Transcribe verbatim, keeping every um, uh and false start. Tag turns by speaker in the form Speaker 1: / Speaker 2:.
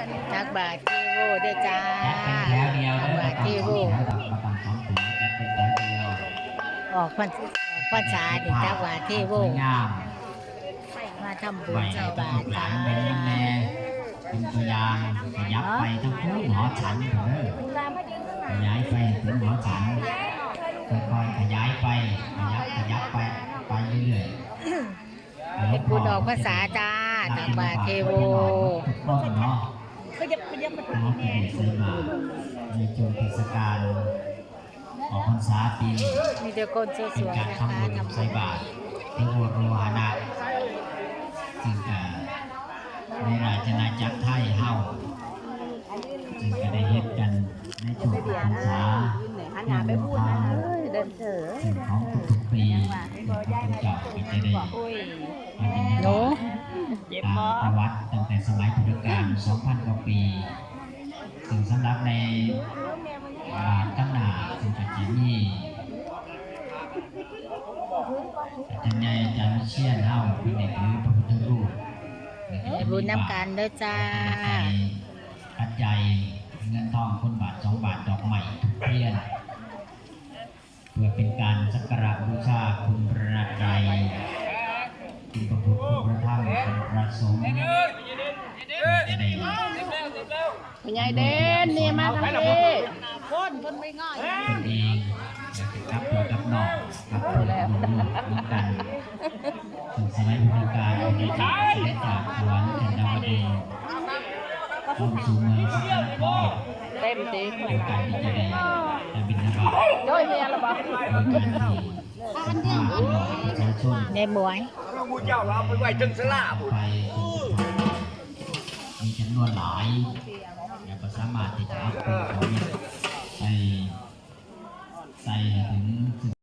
Speaker 1: ตักบาตรเทโวด้วยจ้า
Speaker 2: จัดเป็นแถวเดียว
Speaker 1: ตัก
Speaker 2: เด้อบ
Speaker 1: าตรเทโว
Speaker 2: ประกำสองถุงจัดเป็นแถวเดียว
Speaker 1: ออกพรรษออกพรรษาดิตักบาตรเทโว
Speaker 2: สวยงาม
Speaker 1: มาทำบุ
Speaker 2: ไหว
Speaker 1: ญใส่
Speaker 2: ต้อบ
Speaker 1: าง ตร
Speaker 2: หลา
Speaker 1: จ้าน
Speaker 2: เป็นแม่เป็นตัวอย่างขยับไปทั้งคู่หมอฉันเถอะขยายไปถึงหมอฉันค่อยๆขยายไปขยับขยับไปไปเรื่อยๆ
Speaker 1: เป็นบุญออกพรรษาจ้าตักบาตรเทโว
Speaker 2: ทุกต้นเนาะ
Speaker 3: ก็ยับก็ยับมา
Speaker 2: น้องเป็นใส่บาตรในช่วงเทศกาลออกพรรษาปีนี้
Speaker 1: มีแต่คนส
Speaker 2: เป็น
Speaker 1: วย
Speaker 2: การ
Speaker 1: ๆนะคะ
Speaker 2: ทำบุญ
Speaker 1: ทำบุ
Speaker 2: ใส่
Speaker 1: ญ
Speaker 2: บาตรพระโอโรหานะจึงจะในราชนาจักรไทยเฮาจึงจะได้เฮ็ดกันในช่วงพรรษา
Speaker 3: หันหน้าไปพูดนะเดินเถอะ
Speaker 2: ซึ่งของทุกๆปีพระพุทธเจ้าก็จะได้
Speaker 3: โอ้ย
Speaker 2: ปฏิบัติ
Speaker 1: หนู
Speaker 2: ตามประวัติตั้งแต่สมัยพุทธกาล สองพัน กว่าปี ซึ่งสำหรับในบาทข้างหน้าซึ่งจะมีอาจารย์ใหญ่อาจารย์วิเชียรเฮาเป็นเด็กหรือพระพุทธรูป
Speaker 1: ให้บุญน้ำกันเด้อจ้า
Speaker 2: ปัจจัยเงินทองคนบาทสองบาทดอกใหม่ทุกเทียนเพื่อเป็นการสักการะบูชาคุณพระไตรคุณพระพุทธคุณพระธรรมคุณพระสงฆ์จะได้
Speaker 3: คุณยายเด่นนี่มาทางนี้คนคนไม่ง่าย
Speaker 2: คนเองกับตัวกับนอกกับตัวแล้วเหมือนกันถึงสมัยพุทธกาลในจากเสด็จจากสวรรค์จันทวดีเข้าสู่เมืองสกลนคร
Speaker 3: เต็มตี
Speaker 2: เป็นการที่จะได้ได้บิณฑบาต
Speaker 3: โดยเมียละบ่
Speaker 2: ในการที่พาพี่น้องประชาชน
Speaker 1: ในหมวย
Speaker 4: ผู้เจ้าเราไปไหวจึงสลา
Speaker 2: ไปมีจำนวนหลายแล้วก็สามารถที่จะเอาของไปใส่ใส่ถึง